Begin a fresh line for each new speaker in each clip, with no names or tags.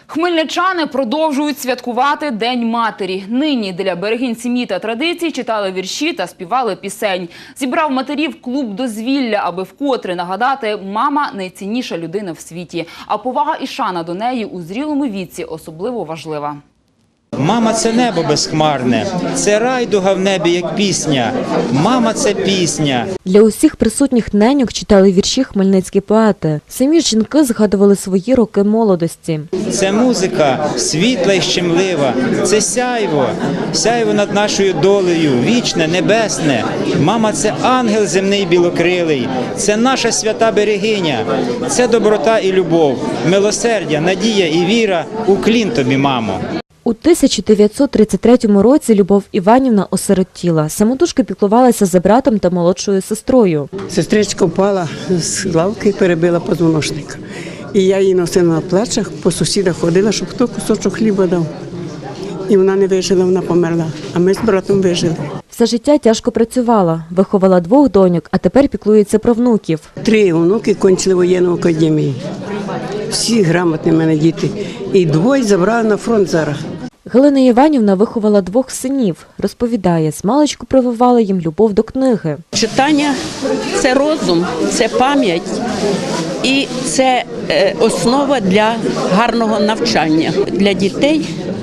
Хмельничани продовжують святкувати День матері. Нині для берегинь сім'ї та традицій читали вірші та співали пісень. Зібрав матерів клуб дозвілля, аби вкотре нагадати, мама – найцінніша людина в світі. А повага і шана до неї у зрілому віці особливо важлива.
Мама – це небо безхмарне, це райдуга в небі, як пісня. Мама – це пісня.
Для усіх присутніх неньок читали вірші хмельницькі поети. Самі жінки згадували свої роки молодості.
Це музика світла і щемлива, це сяйво над нашою долею, вічне, небесне. Мама – це ангел земний білокрилий, це наша свята берегиня, це доброта і любов, милосердя, надія і віра. Уклін тобі, мамо.
У 1933 році Любов Іванівна осиротіла. Самотужки піклувалася за братом та молодшою сестрою.
Сестричка впала з лавки і перебила позвоночник. І я її носила на плечах, по сусідах ходила, щоб хто кусочок хліба дав. І вона не вижила, вона померла, а ми з братом вижили.
Все життя тяжко працювала, виховала 2 доньок, а тепер піклується про внуків.
3 онуки кончили воєнну академію. Всі грамотні в мене діти. І 2 забрали на фронт зараз.
Галина Іванівна виховала 2 синів. Розповідає, змалечку прививала їм любов до книги.
Читання – це розум, це пам'ять і це основа для гарного навчання. Для дітей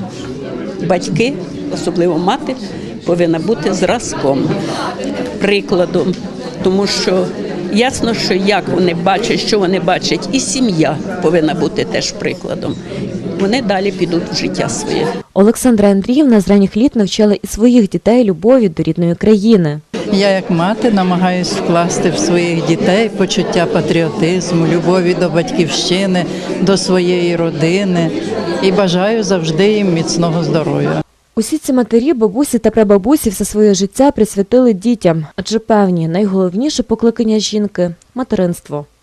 батьки, особливо мати, повинна бути зразком, прикладом, тому що ясно, що як вони бачать, що вони бачать, і сім'я повинна бути теж прикладом. Вони далі підуть в життя своє.
Олександра Андріївна з ранніх літ навчала і своїх дітей любові до рідної країни.
Я як мати намагаюся вкласти в своїх дітей почуття патріотизму, любові до батьківщини, до своєї родини і бажаю завжди їм міцного здоров'я.
Усі ці матері, бабусі та прабабусі все своє життя присвятили дітям, адже певні, найголовніше покликання жінки – материнство.